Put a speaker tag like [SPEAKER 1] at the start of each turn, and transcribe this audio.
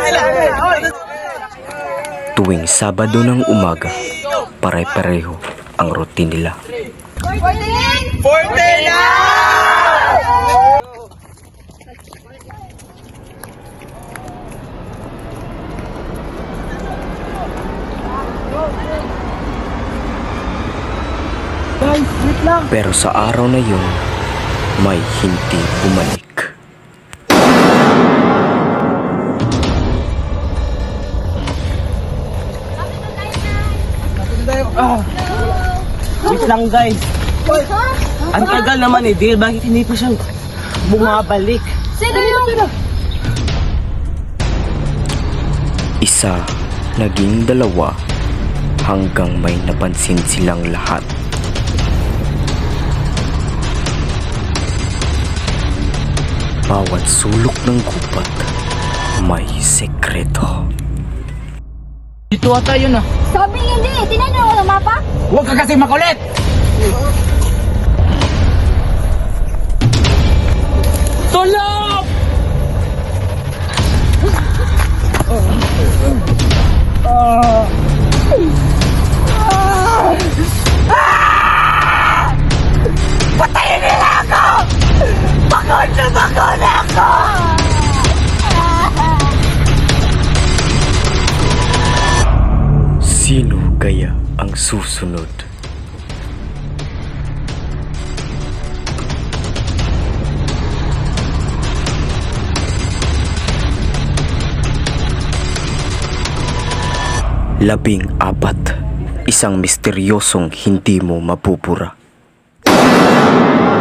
[SPEAKER 1] Tuwing Sabado ng umaga, pare-pareho ang routine nila.
[SPEAKER 2] 49!
[SPEAKER 1] Pero sa araw na yun, may hindi bumalik.
[SPEAKER 3] Wait lang guys. Ang tagal naman eh, Dale. Bakit hindi pa siya bumabalik?
[SPEAKER 2] Sino yung...
[SPEAKER 1] Isa, naging dalawa, hanggang may napansin silang lahat. Bawat sulok ng gubat, may sekreto.
[SPEAKER 3] Dito ata yun ah.
[SPEAKER 2] Sabi hindi, tinanong ko ng mapa?
[SPEAKER 3] Huwag ka kasi makulit! Tulog! Patayin nila ako! Pagod na pagod ako!
[SPEAKER 1] Sino kaya ang susunod? Labing-4, isang misteryosong hindi mo mapupura.